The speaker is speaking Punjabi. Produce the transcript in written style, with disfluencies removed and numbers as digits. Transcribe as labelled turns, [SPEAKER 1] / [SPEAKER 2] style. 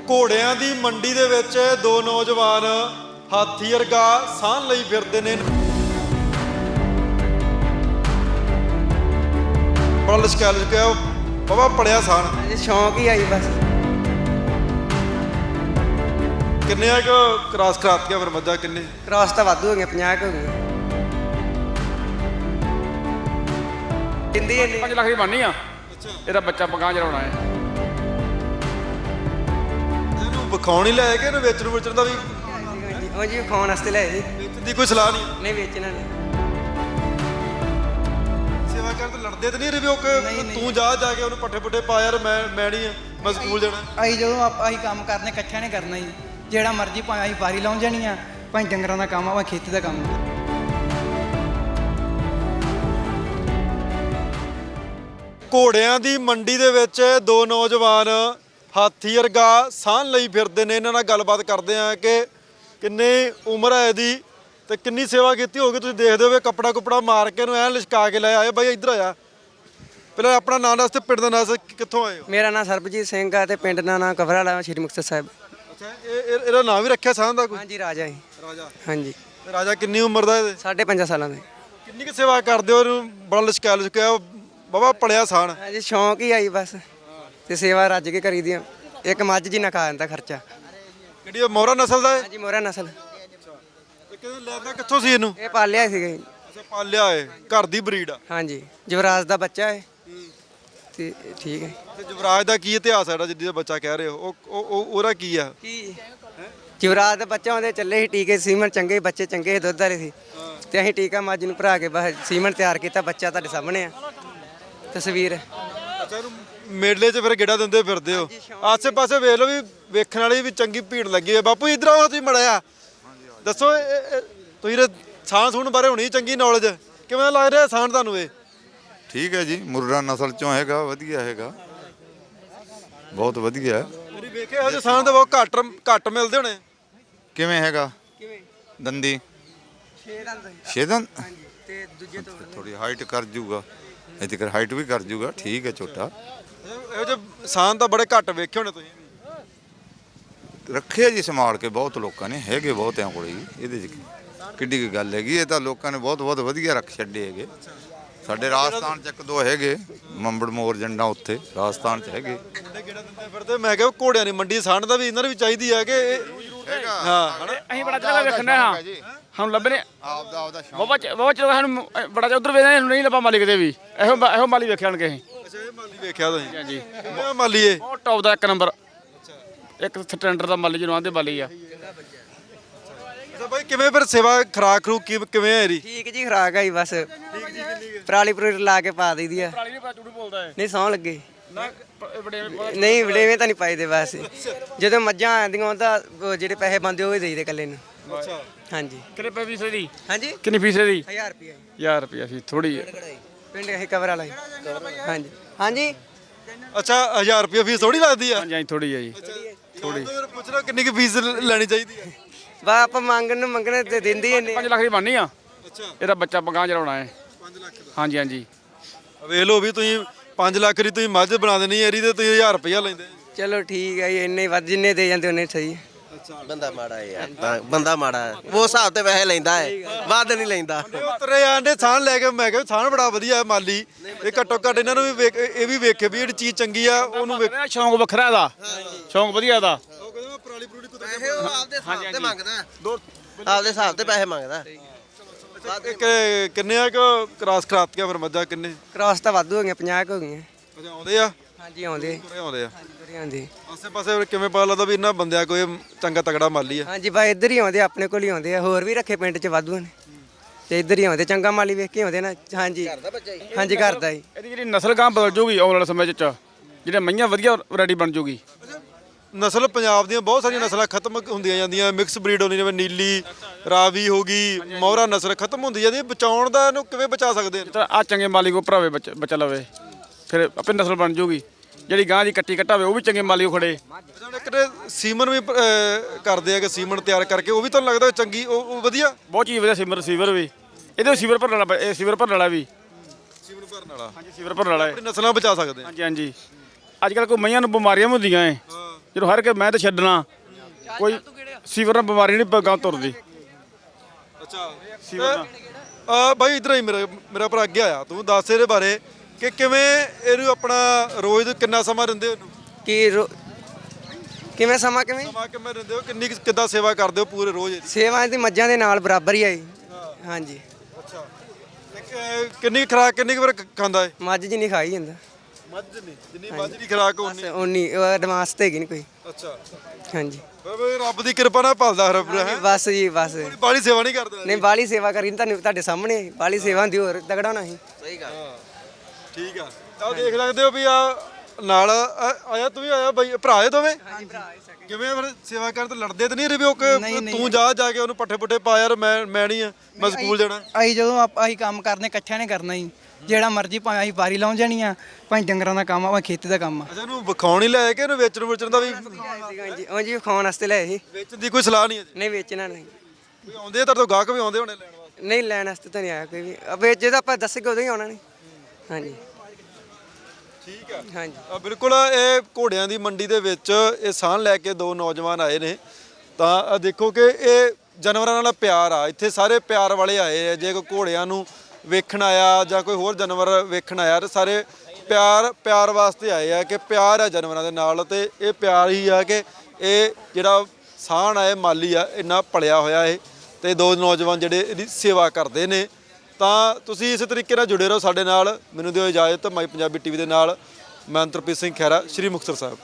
[SPEAKER 1] ਘੋੜਿਆਂ ਦੀ ਮੰਡੀ ਦੇ ਵਿੱਚ ਦੋ ਨੌਜਵਾਨ ਹਾਥੀ ਵਰਗਾ ਸਾਹ ਲਈ ਫਿਰਦੇ ਨੇ। ਬੜਾ ਲਿਸ਼ਕਾ ਬਾਬਾ ਪੜਿਆ ਸਾਨ
[SPEAKER 2] ਸ਼ੌਂਕ ਹੀ ਆਈ ਬਸ।
[SPEAKER 1] ਕਿੰਨੇ ਆ ਕ੍ਰਾਸ ਕਰਾਤੀਆਂ ਫਿਰ ਮੱਝਾਂ ਕਿੰਨੇ?
[SPEAKER 2] ਕ੍ਰਾਸ ਤਾਂ ਵਾਧੂ ਹੋ ਗਈਆਂ, 50 ਹੋ ਗਈਆਂ। ਕਿੰਦੀ
[SPEAKER 3] 5 ਲੱਖ ਦੀ ਬਣਨੀ ਆ। ਇਹਦਾ ਬੱਚਾ ਪਕਾਂ ਚਲਾਉਣਾ ਹੈ।
[SPEAKER 1] ਇਹਨੂੰ ਵਿਖਾਉਣ ਹੀ ਲੈ ਕੇ ਇਹਨੂੰ ਵੇਚਣ ਦਾ ਵੀ
[SPEAKER 2] ਉਹ ਜੀ ਖਾਣ ਵਾਸਤੇ ਲੈ ਜੀ।
[SPEAKER 1] ਵੇਚਣ ਦੀ ਕੋਈ ਸਲਾਹ ਨਹੀਂ?
[SPEAKER 2] ਨਹੀਂ ਵੇਚਣਾ ਨਹੀਂ।
[SPEAKER 1] ਸੇਵਾ ਕਰਨ ਤੇ ਲੜਦੇ ਤੇ ਨਹੀਂ ਰਹੇ ਵੀ ਉਹ ਤੂੰ ਜਾ ਕੇ ਉਹਨੂੰ ਪੱਠੇ ਪੁੱਠੇ ਪਾ ਯਾਰ ਮੈਂ ਨਹੀਂ ਮੈਂ ਸਕੂਲ ਜਾਣਾ।
[SPEAKER 4] ਅਸੀਂ ਜਦੋਂ ਅਸੀਂ ਕੰਮ ਕਰਨੇ ਇਕੱਠਿਆਂ ਨੇ ਕਰਨਾ ਜੀ। ਜਿਹੜਾ ਮਰਜ਼ੀ ਭਾਵੇਂ ਅਸੀਂ ਬਾਰੀ ਲਾਉਣ ਜਾਣੀ ਆ, ਭਾਵੇਂ ਡੰਗਰਾਂ ਦਾ ਕੰਮ ਆ, ਭਾਵੇਂ ਖੇਤੀ ਦਾ ਕੰਮ ਆ।
[SPEAKER 1] ਘੋੜਿਆਂ ਦੀ ਮੰਡੀ ਦੇ ਵਿੱਚ ਦੋ ਨੌਜਵਾਨ ਹਾਥੀ ਵਰਗਾ ਸਾਹ ਲਈ ਫਿਰਦੇ ਨੇ। ਇਹਨਾਂ ਨਾਲ ਗੱਲਬਾਤ ਕਰਦੇ ਆ ਕਿ ਕਿੰਨੀ ਉਮਰ ਹੈ ਇਹਦੀ ਤੇ ਕਿੰਨੀ ਸੇਵਾ ਕੀਤੀ ਹੋਗੀ। ਤੁਸੀਂ ਦੇਖਦੇ ਹੋਵੇ ਕੱਪੜਾ ਕੁਪੜਾ ਮਾਰ ਕੇ ਇਹਨੂੰ ਐਂ ਲਿਸ਼ਕਾ ਕੇ ਲੈ ਆਏ। ਬਾਈ ਇੱਧਰ ਆਇਆ ਪਹਿਲਾਂ ਆਪਣਾ ਨਾਂ ਦੱਸ ਤੇ ਪਿੰਡ ਦਾ ਨਾਂ ਦੱਸ, ਕਿੱਥੋਂ ਆਏ ਹੋ?
[SPEAKER 2] ਮੇਰਾ ਨਾਮ ਸਰਬਜੀਤ ਸਿੰਘ ਆ ਤੇ ਪਿੰਡ ਦਾ ਨਾਮ ਕਵਰਾਲਾ, ਸ਼੍ਰੀ ਮੁਕਤਸਰ ਸਾਹਿਬ।
[SPEAKER 1] ਅੱਛਾ, ਇਹਦਾ ਨਾਂ ਵੀ ਰੱਖਿਆ ਸਾਹ ਦਾ ਕੋਈ?
[SPEAKER 2] ਹਾਂਜੀ ਰਾਜਾ ਜੀ।
[SPEAKER 1] ਰਾਜਾ।
[SPEAKER 2] ਹਾਂਜੀ।
[SPEAKER 1] ਤੇ ਰਾਜਾ ਕਿੰਨੀ ਉਮਰ ਦਾ ਇਹਦੇ?
[SPEAKER 2] 5.5 ਸਾਲਾਂ ਦੇ।
[SPEAKER 1] ਕਿੰਨੀ ਕੁ ਸੇਵਾ ਕਰਦੇ ਹੋ? ਇਹਨੂੰ ਬੜਾ ਲਿਸ਼ਕਾ ਬਾਬਾ ਪੜਿਆ ਸਾਨ
[SPEAKER 2] ਹਾਂਜੀ ਸ਼ੌਂਕ ਹੀ ਆਈ ਬਸ। ਤੇ ਸੇਵਾ ਰੱਜ ਕੇ ਕਰੀ ਦੀਆਂ। ਇੱਕ ਮੱਝ ਜੀ ਨਾ ਖਾ ਜਾਂਦਾ ਖਰਚਾ।
[SPEAKER 1] ਕਿਹੜੀ ਮੋਹਰਾ ਨਸਲ ਦਾ ਹੈ?
[SPEAKER 2] ਹਾਂਜੀ ਮੋਹਰਾ ਨਸਲ।
[SPEAKER 1] ਤੇ ਕਿਹਨੇ ਲੈਂਦਾ ਕਿੱਥੋਂ ਸੀ ਇਹਨੂੰ?
[SPEAKER 2] ਇਹ ਪਾਲਿਆ ਸੀਗਾ ਜੀ।
[SPEAKER 1] ਅੱਛਾ ਪਾਲਿਆ ਏ, ਘਰ ਦੀ ਬਰੀਡ ਆ।
[SPEAKER 2] ਹਾਂਜੀ ਯੁਵਰਾਜ ਦਾ ਬੱਚਾ ਹੈ ਤੇ ਠੀਕ ਹੈ।
[SPEAKER 1] ਤੇ ਯੁਵਰਾਜ ਦਾ ਕੀ ਇਤਿਹਾਸ ਹੈ ਜਿਹੜਾ ਜਿੱਦੀ ਦਾ ਬੱਚਾ ਕਹਿ ਰਹੇ ਹੋ? ਉਹਦਾ ਕੀ ਆ?
[SPEAKER 2] ਕੀ ਯੁਵਰਾਜ ਦਾ ਬੱਚਾ ਉਹਦੇ ਚੱਲੇ ਸੀ ਟੀਕੇ, ਸੀਮਨ ਚੰਗੇ ਬੱਚੇ ਚੰਗੇ ਸੀ, ਦੁੱਧ ਵਾਲੇ ਸੀ। ਤੇ ਅਸੀਂ ਟੀਕਾ ਮੱਝ ਨੂੰ ਭਰਾ ਕੇ ਬਸ ਸੀਮਨ ਤਿਆਰ ਕੀਤਾ। ਬੱਚਾ ਤੁਹਾਡੇ ਸਾਹਮਣੇ ਆ ਤਸਵੀਰ।
[SPEAKER 1] ਅੱਛਾ ਇਹਨੂੰ ਮੇਲੇ 'ਚ ਫਿਰ ਗੇੜਾ ਦਿੰਦੇ ਫਿਰਦੇ ਹੋ? ਆਸੇ ਪਾਸੇ ਵੇਖ ਲਓ ਵੀ ਵੇਖਣ ਵਾਲੀ ਵੀ ਚੰਗੀ ਭੀੜ ਲੱਗੀ ਹੈ। ਬਾਪੂ ਇੱਧਰ ਆਓ, ਤੁਸੀਂ ਮੜਿਆ ਦੱਸੋ ਤੁਸੀਂ ਸਾਣ ਸੂਣ ਬਾਰੇ ਹੋਣੀ ਚੰਗੀ ਨੌਲੇਜ। ਕਿਵੇਂ ਲੱਗ ਰਿਹਾ ਸਾਣ ਤੁਹਾਨੂੰ ਇਹ?
[SPEAKER 5] ਠੀਕ ਹੈ ਜੀ, ਮੁਰਰਾ ਨਸਲ ਚੋਂ ਹੈਗਾ, ਵਧੀਆ ਹੈਗਾ, ਬਹੁਤ ਵਧੀਆ।
[SPEAKER 1] ਤੁਸੀਂ ਵੇਖਿਆ ਇਹੋ ਜਿਹੇ ਸਾਣ ਤਾਂ ਬਹੁਤ ਘੱਟ ਮਿਲਦੇ ਹੋਣੇ।
[SPEAKER 5] ਕਿਵੇਂ ਹੈਗਾ? ਦੰਦੀ 6 ਦੰਦ
[SPEAKER 2] ਤੇ ਦੂਜੇ ਤੋਂ
[SPEAKER 5] ਥੋੜੀ ਹਾਈਟ ਕਰ ਜੂਗਾ, ਇੱਥੇ ਕਰ ਹਾਈਟ ਵੀ ਕਰ ਜੂਗਾ। ਠੀਕ ਹੈ ਛੋਟਾ।
[SPEAKER 1] ਇਹੋ ਜਿਹੇ ਸਾਣ ਤਾਂ ਬੜੇ ਘੱਟ ਵੇਖੇ ਹੋਣੇ ਤੁਸੀਂ?
[SPEAKER 5] ਰੱਖਿਆ ਜੀ ਸੰਭਾਲ ਕੇ ਬਹੁਤ ਲੋਕਾਂ ਨੇ, ਹੈਗੇ ਬਹੁਤਿਆਂ ਕੋਲੇ ਜੀ। ਇਹਦੇ 'ਚ ਕਿੱਡੀ ਕੀ ਗੱਲ ਹੈਗੀ? ਇਹ ਤਾਂ ਲੋਕਾਂ ਨੇ ਬਹੁਤ ਵਧੀਆ ਰੱਖ ਛੱਡੇ ਹੈਗੇ। ਸਾਡੇ ਰਾਜਸਥਾਨ 'ਚ ਇੱਕ ਦੋ ਹੈਗੇ, ਮੰਬੜ ਮੋਰ ਜੰਡਾ ਉੱਥੇ ਰਾਜਸਥਾਨ 'ਚ ਹੈਗੇ।
[SPEAKER 1] ਗੇੜਾ ਦਿੰਦੇ ਫਿਰਦੇ। ਮੈਂ ਕਿਹਾ ਘੋੜਿਆਂ ਦੀ ਮੰਡੀ ਸਾਣ ਦਾ ਵੀ ਇਹਨਾਂ ਨੂੰ ਵੀ ਚਾਹੀਦੀ ਹੈ ਕਿ ਹਾਂ
[SPEAKER 3] ਅਸੀਂ ਬੜਾ ਜਗ੍ਹਾ ਵੇਖਣਾ ਹਾਂ, ਸਾਨੂੰ ਲੱਭਣੇ
[SPEAKER 5] ਆਪਦਾ
[SPEAKER 3] ਬਹੁਤ ਚਲੋ ਸਾਨੂੰ ਬੜਾ ਉਧਰ ਵੇਖਦੇ ਨਹੀਂ ਲੱਭਾ ਮਾਲੀ ਕਿਤੇ ਵੀ। ਇਹੋ ਮਾਲੀ ਵੇਖਿਆ ਕੇ ਅਸੀਂ।
[SPEAKER 1] ਅੱਛਾ ਇਹ ਮਾਲੀ ਵੇਖਿਆ ਤੁਸੀਂ?
[SPEAKER 3] ਹਾਂਜੀ
[SPEAKER 1] ਇਹ ਮਾਲੀ ਏ
[SPEAKER 3] ਬਹੁਤ ਟੌਪ ਦਾ, 1 ਨੰਬਰ। ਇੱਕ ਸਟੈਂਡਰ ਦਾ ਮਾਲੀ ਜਿਹਨੂੰ ਆਂਦੇ ਮਾਲੀ ਆ।
[SPEAKER 1] ਅੱਛਾ ਬਾਈ ਕਿਵੇਂ ਫਿਰ ਸੇਵਾ ਖਰਾਕ ਖਰੂ ਕਿਵੇਂ ਹੈ ਇਹਦੀ?
[SPEAKER 2] ਠੀਕ ਜੀ ਖਰਾਕ ਆਈ ਬਸ। ਪਰਾਲੀ ਪਰੂਲੀ ਲਾ ਕੇ ਪਾ ਦਈਦੀ ਆ।
[SPEAKER 3] ਪਰਾਲੀ ਨਹੀਂ ਪਾ ਝੂਠ ਬੋਲਦਾ ਹੈ।
[SPEAKER 2] ਨਹੀਂ ਸੌਂ ਲੱਗੇ
[SPEAKER 3] ਨਾ
[SPEAKER 2] ਨਹੀਂ ਵਡੇਵੇਂ ਤਾਂ ਨਹੀਂ ਪਾਈਦੇ ਬਸ। ਜਦੋਂ ਮੱਝਾਂ ਆਉਂਦੀਆਂ ਤਾਂ ਉਹ ਜਿਹੜੇ ਪੈਸੇ ਬੰਦੇ ਉਹ ਹੀ ਦੇਈਦੇ ਇਕੱਲੇ ਨੂੰ।
[SPEAKER 1] ਅੱਛਾ
[SPEAKER 2] ਹਾਂਜੀ।
[SPEAKER 3] ਕਿੰਨੇ ਪੈ ਫੀਸ ਦੀ?
[SPEAKER 2] ਹਾਂਜੀ
[SPEAKER 3] ਕਿੰਨੀ ਫੀਸ ਦੀ?
[SPEAKER 2] 1000 ਰੁਪਏ
[SPEAKER 3] 1000 ਰੁਪਏ ਫੀਸ ਥੋੜੀ ਹੈ।
[SPEAKER 2] ਪਿੰਡ ਇਹ ਕਵਰ ਵਾਲਾ ਹਾਂਜੀ। ਹਾਂਜੀ
[SPEAKER 1] ਅੱਛਾ 1000 ਰੁਪਏ ਫੀਸ ਥੋੜੀ ਲੱਗਦੀ ਆ?
[SPEAKER 3] ਹਾਂਜੀ ਥੋੜੀ ਹੈ ਜੀ।
[SPEAKER 1] ਥੋੜੀ ਪੁੱਛ ਲਓ ਕਿੰਨੀ ਕੁ ਫੀਸ ਲੈਣੀ ਚਾਹੀਦੀ ਹੈ?
[SPEAKER 2] ਬਾ ਆਪਾਂ ਮੰਗਣੇ ਤੇ ਦਿੰਦੀ ਹੀ
[SPEAKER 3] 5 ਲੱਖ ਦੀ ਬਣਨੀ ਆ।
[SPEAKER 1] ਅੱਛਾ
[SPEAKER 3] ਇਹਦਾ ਬੱਚਾ ਪਕਾਂ ਚਲਾਉਣਾ ਹੈ।
[SPEAKER 1] 5 ਲੱਖ ਦਾ?
[SPEAKER 3] ਹਾਂਜੀ ਹਾਂਜੀ।
[SPEAKER 1] ਵੇਖ ਲਓ ਵੀ ਤੁਸੀਂ 5 ਲੱਖ ਦੀ ਤੁਸੀਂ ਮੱਝ ਬਣਾ ਦੇਣੀ ਇਹਦੀ ਤੇ ਤੁਸੀਂ 1000 ਰੁਪਇਆ ਲੈਂਦੇ।
[SPEAKER 2] ਚਲੋ ਠੀਕ ਹੈ ਜੀ, ਇੰਨੇ ਵੱਧ ਜਿੰਨੇ ਦੇ ਜਾਂਦੇ ਉਹਨੇ ਸਹੀ।
[SPEAKER 6] ਬੰਦਾ ਮਾੜਾ ਹੈ ਯਾਰ, ਬੰਦਾ ਮਾੜਾ ਹੈ। ਉਹ ਹਿਸਾਬ ਤੇ ਪੈਸੇ ਲੈਂਦਾ ਹੈ, ਵੱਧ ਨਹੀਂ ਲੈਂਦਾ।
[SPEAKER 1] ਉਤਰੇ ਆਂਦੇ ਸਾਨ ਲੈ ਕੇ ਮੈਂ ਕਿਹਾ ਸਾਨ ਬੜਾ ਵਧੀਆ ਮਾਲੀ। ਇਹ ਘੱਟੋ ਘੱਟ ਇਹਨਾਂ ਨੂੰ ਵੀ ਇਹ ਵੀ ਵੇਖੇ ਵੀ ਜਿਹੜੀ ਚੀਜ਼ ਚੰਗੀ ਆ ਉਹਨੂੰ ਵੇਖ।
[SPEAKER 3] ਸ਼ੌਂਕ ਵੱਖਰਾ ਇਹਦਾ, ਸ਼ੌਂਕ ਵਧੀਆ ਇਹਦਾ।
[SPEAKER 1] ਉਹ ਕਹਿੰਦਾ ਮੈਂ ਪਰਾਲੀ ਪਰੂਲੀ ਕੁੱਤੇ
[SPEAKER 6] ਪੈਸੇ ਉਹ ਆਪਦੇ ਹਿਸਾਬ ਤੇ ਮੰਗਦਾ, ਆਪਦੇ ਹਿਸਾਬ ਤੇ ਪੈਸੇ ਮੰਗਦਾ।
[SPEAKER 1] ਕਿੰਨੇ ਆ ਕ੍ਰਾਸ ਕਰਾਤੀਆਂ ਫਿਰ ਮੱਝਾਂ ਕਿੰਨੇ?
[SPEAKER 2] ਕ੍ਰਾਸ ਤਾਂ ਵਾਧੂ ਹੋ ਗਈਆਂ, 50 ਹੋ ਗਈਆਂ।
[SPEAKER 1] ਅੱਛਾ ਆਉਂਦੇ ਆ?
[SPEAKER 2] ਹਾਂਜੀ ਆਉਂਦੇ
[SPEAKER 1] ਤੁਰੇ ਆਉਂਦੇ ਆ।
[SPEAKER 2] ਆਉਂਦੇ।
[SPEAKER 1] ਆਸੇ ਪਾਸੇ ਕਿਵੇਂ ਪਤਾ ਲੱਗਦਾ ਵੀ ਇਹਨਾਂ ਬੰਦਿਆਂ ਕੋਈ ਚੰਗਾ ਤਗੜਾ ਮਾਲੀ ਆ?
[SPEAKER 2] ਹਾਂਜੀ ਬਾ ਇੱਧਰ ਹੀ ਆਉਂਦੇ, ਆਪਣੇ ਕੋਲ ਹੀ ਆਉਂਦੇ ਆ। ਹੋਰ ਵੀ ਰੱਖੇ ਪਿੰਡ 'ਚ ਵਾਧੂ ਨੇ ਤੇ ਇੱਧਰ ਹੀ ਆਉਂਦੇ। ਚੰਗਾ ਮਾਲੀ ਵੇਖ ਕੇ ਆਉਂਦੇ ਨਾ। ਹਾਂਜੀ ਹਾਂਜੀ ਘਰ ਦਾ ਹੀ।
[SPEAKER 3] ਇਹਦੀ ਜਿਹੜੀ ਨਸਲ ਗਾਂ ਬਦਲ ਜੂਗੀ ਆਉਣ ਵਾਲੇ ਸਮੇਂ 'ਚ, ਜਿਹੜੇ ਮਈਆਂ ਵਧੀਆ ਵੈਰਾਈਟੀ ਬਣ ਜੂਗੀ।
[SPEAKER 1] ਨਸਲ ਪੰਜਾਬ ਦੀਆਂ ਬਹੁਤ ਸਾਰੀਆਂ ਨਸਲਾਂ ਖਤਮ ਹੁੰਦੀਆਂ ਜਾਂਦੀਆਂ। ਮਿਕਸ ਬਰੀਡ ਹੁੰਦੀ ਜਿਵੇਂ ਨੀਲੀ ਰਾਵੀ ਹੋ ਗਈ, ਮੋਹਰਾ ਨਸਲ ਖਤਮ ਹੁੰਦੀ ਜਾਂਦੀ। ਬਚਾਉਣ ਦਾ ਇਹਨੂੰ ਕਿਵੇਂ ਬਚਾ ਸਕਦੇ
[SPEAKER 3] ਤਾਂ ਆ ਚੰਗੇ ਮਾਲੀ ਕੋ ਭਰਾਵੇ ਬੱਚਾ ਲਵੇ, ਫਿਰ ਆਪੇ ਨਸਲ ਬਣ ਜੂਗੀ। ਜਿਹੜੀ ਗਾਂ ਦੀ ਕੱਟੀ ਕੱਟਾਵੇ ਉਹ ਵੀ ਚੰਗੇ ਮਾਲੀ ਕੋ ਖੜੇ।
[SPEAKER 1] ਇੱਕ ਸੀਮਨ ਵੀ ਕਰਦੇ ਆ ਕਿ ਸੀਮਨ ਤਿਆਰ ਕਰਕੇ ਉਹ ਵੀ ਤੁਹਾਨੂੰ ਲੱਗਦਾ ਚੰਗੀ ਉਹ ਵਧੀਆ?
[SPEAKER 3] ਬਹੁਤ ਚੀਜ਼ ਵਧੀਆ। ਸੀਵਰ ਵੀ ਇਹਦੇ ਸੀਵਰ ਭਰਨ ਵਾਲਾ, ਇਹ ਸੀਵਰ ਭਰਨ ਵਾਲਾ ਵੀ।
[SPEAKER 1] ਸੀਮਨ ਭਰਨ ਵਾਲਾ?
[SPEAKER 3] ਹਾਂਜੀ ਸੀਵਰ ਭਰਨ ਵਾਲਾ ਹੈ।
[SPEAKER 1] ਆਪਣੀ ਨਸਲਾਂ ਬਚਾ ਸਕਦੇ ਆ?
[SPEAKER 3] ਹਾਂਜੀ ਹਾਂਜੀ। ਅੱਜ ਕੱਲ੍ਹ ਕੋਈ ਮਈਆਂ ਨੂੰ ਬਿਮਾਰੀਆਂ ਵੀ ਹੁੰਦੀਆਂ ਹੈ, ਜਦੋਂ ਹਰ ਕੇ ਮੈਂ ਤਾਂ ਛੱਡਣਾ ਕੋਈ ਸੀਵਰ ਨਾਲ ਬਿਮਾਰੀ ਨਹੀਂ ਗਾਂ ਤੁਰਦੀ।
[SPEAKER 1] ਅੱਛਾ
[SPEAKER 3] ਸੀਵਰ
[SPEAKER 1] ਬਾਈ ਇਧਰ ਹੀ ਮੇਰਾ ਭਰਾ ਅੱਗੇ ਆਇਆ, ਤੂੰ ਦੱਸ ਇਹਦੇ ਬਾਰੇ ਕਿ ਕਿਵੇਂ ਇਹਨੂੰ ਆਪਣਾ ਰੋਜ਼ ਕਿੰਨਾ ਸਮਾਂ ਦਿੰਦੇ ਹੋ ਇਹਨੂੰ?
[SPEAKER 2] ਕਿਵੇਂ ਸਮਾਂ ਕਿਵੇਂ
[SPEAKER 1] ਸਮਾਂ ਕਿਵੇਂ ਦਿੰਦੇ ਹੋ, ਕਿੰਨੀ ਕਿੱਦਾਂ ਸੇਵਾ ਕਰਦੇ ਹੋ ਪੂਰੇ ਰੋਜ਼ ਇਹਦੀ?
[SPEAKER 2] ਸੇਵਾ ਦੀ ਮੱਝਾਂ ਦੇ ਨਾਲ ਬਰਾਬਰ ਹੀ ਆ ਜੀ। ਹਾਂਜੀ
[SPEAKER 1] ਅੱਛਾ ਕਿੰਨੀ ਖੁਰਾਕ ਕਿੰਨੀ ਕੁ ਵਾਰ ਖਾਂਦਾ ਹੈ?
[SPEAKER 2] ਮੱਝ ਜੀ ਨਹੀਂ ਖਾਈ ਜਾਂਦਾ।
[SPEAKER 1] ਮੱਝ ਨਹੀਂ, ਜਿੰਨੀ ਮੱਝ ਦੀ ਖੁਰਾਕ ਉਨੀ।
[SPEAKER 2] ਉਨੀ ਐਡਵਾਂਸ ਤੇ ਹੈਗੀ ਨਹੀਂ ਕੋਈ।
[SPEAKER 1] ਅੱਛਾ
[SPEAKER 2] ਹਾਂਜੀ
[SPEAKER 1] ਬਾਬਾ ਰੱਬ ਦੀ ਕਿਰਪਾ ਨਾਲ ਪਾਲਦਾ ਰੱਬ ਹੈ।
[SPEAKER 2] ਬਸ ਜੀ ਬਸ।
[SPEAKER 1] ਬਾਲੀ ਸੇਵਾ ਨਹੀਂ ਕਰਦਾ।
[SPEAKER 2] ਨਹੀਂ ਬਾਲੀ ਸੇਵਾ ਕਰੀ ਤੁਹਾਨੂੰ ਤੁਹਾਡੇ ਸਾਹਮਣੇ ਬਾਲੀ ਸੇਵਾ ਹੁੰਦੀ ਹੋਰ ਤਗੜਾ ਹੋਣਾ ਸੀ।
[SPEAKER 6] ਸਹੀ ਗੱਲ।
[SPEAKER 1] ਠੀਕ ਆ ਤਾਂ ਦੇਖ ਸਕਦੇ ਹੋ ਵੀ ਆ ਨਾਲ ਆਇਆ, ਤੂੰ ਵੀ ਆਇਆ ਬਾਈ, ਭਰਾ ਹੈ ਦੋਵੇਂ? ਕਿਵੇਂ ਫਿਰ ਸੇਵਾ ਕਰਨ ਤੋਂ ਲੜਦੇ ਤਾਂ ਨਹੀਂ ਰਿਵਿਓ ਕਿ ਤੂੰ ਜਾ ਕੇ ਉਹਨੂੰ ਪੱਠੇ ਪੁੱਠੇ ਪਾ ਯਾਰ, ਮੈਂ ਨਹੀਂ ਆ, ਮੈਂ ਸਕੂਲ ਜਾਣਾ?
[SPEAKER 4] ਅਸੀਂ ਜਦੋਂ ਅਸੀਂ ਕੰਮ ਕਰਨੇ ਇਕੱਠਿਆਂ ਨੇ ਕਰਨਾ ਜੀ, ਜਿਹੜਾ ਮਰਜ਼ੀ ਭਾਵੇਂ ਅਸੀਂ ਵਾਰੀ ਲਾਉਣ ਜਾਣੀ ਆ, ਭਾਵੇਂ ਡੰਗਰਾਂ ਦਾ ਕੰਮ ਆ, ਭਾਵੇਂ ਖੇਤੀ ਦਾ ਕੰਮ ਆ।
[SPEAKER 1] ਅੱਛਾ ਇਹਨੂੰ ਵਿਖਾਉਣ ਹੀ ਲੈ ਕੇ ਇਹਨੂੰ ਵੇਚਣ ਦਾ ਵੀ?
[SPEAKER 2] ਹਾਂਜੀ ਉਹ ਜੀ ਖਾਣ ਵਾਸਤੇ ਲੈ ਸੀ।
[SPEAKER 1] ਵੇਚਣ ਦੀ ਕੋਈ ਸਲਾਹ ਨਹੀਂ ਹੈ ਜੀ?
[SPEAKER 2] ਨਹੀਂ ਵੇਚਣਾ ਨਹੀਂ।
[SPEAKER 1] ਕੋਈ ਆਉਂਦੇ ਆ ਤੁਹਾਡੇ ਤੋਂ ਗਾਹਕ ਵੀ ਆਉਂਦੇ ਹੋਣੇ ਲੈਣ ਵਾਸਤੇ?
[SPEAKER 2] ਨਹੀਂ ਲੈਣ ਵਾਸਤੇ ਤਾਂ ਨਹੀਂ ਆਇਆ ਕੋਈ ਵੀ। ਵੇਚੇ ਤਾਂ ਆਪਾਂ ਦੱਸਗੇ ਉਦੋਂ ਹੀ ਆਉਣਾ ਨਹੀਂ। ਹਾਂਜੀ
[SPEAKER 1] ਠੀਕ ਆ।
[SPEAKER 2] ਹਾਂਜੀ
[SPEAKER 1] ਬਿਲਕੁਲ ਇਹ ਘੋੜਿਆਂ ਦੀ ਮੰਡੀ ਦੇ ਵਿੱਚ ਇਹ ਸਾਹ ਲੈ ਕੇ ਦੋ ਨੌਜਵਾਨ ਆਏ ਨੇ, ਤਾਂ ਦੇਖੋ ਕਿ ਇਹ ਜਾਨਵਰਾਂ ਨਾਲ ਪਿਆਰ ਆ, ਇੱਥੇ ਸਾਰੇ ਪਿਆਰ ਵਾਲੇ ਆਏ ਆ। ਜੇ ਕੋਈ ਘੋੜਿਆਂ ਨੂੰ ਵੇਖਣ ਆਇਆ ਜਾਂ ਕੋਈ ਹੋਰ ਜਾਨਵਰ ਵੇਖਣ ਆਇਆ ਤਾਂ ਸਾਰੇ ਪਿਆਰ ਵਾਸਤੇ ਆਏ ਆ, ਕਿ ਪਿਆਰ ਆ ਜਾਨਵਰਾਂ ਦੇ ਨਾਲ। ਤੇ ਇਹ ਪਿਆਰ ਹੀ ਆ ਕਿ ਇਹ ਜਿਹੜਾ ਸਾਹਣ ਆ ਇਹ ਮਾਲੀ ਆ, ਇੰਨਾ ਪਲਿਆ ਹੋਇਆ ਇਹ, ਤੇ ਦੋ ਨੌਜਵਾਨ ਜਿਹੜੇ ਇਹਦੀ ਸੇਵਾ ਕਰਦੇ ਨੇ। ਤਾਂ ਤੁਸੀਂ ਇਸੇ ਤਰੀਕੇ ਨਾਲ ਜੁੜੇ ਰਹੋ ਸਾਡੇ ਨਾਲ। ਮੈਨੂੰ ਦਿਓ ਇਜਾਜ਼ਤ। ਮਾਈ ਪੰਜਾਬੀ ਟੀਵੀ ਦੇ ਨਾਲ ਮੈਂ ਅੰਤਰਪ੍ਰੀਤ ਸਿੰਘ ਖਹਿਰਾ, ਸ਼੍ਰੀ ਮੁਕਤਸਰ ਸਾਹਿਬ।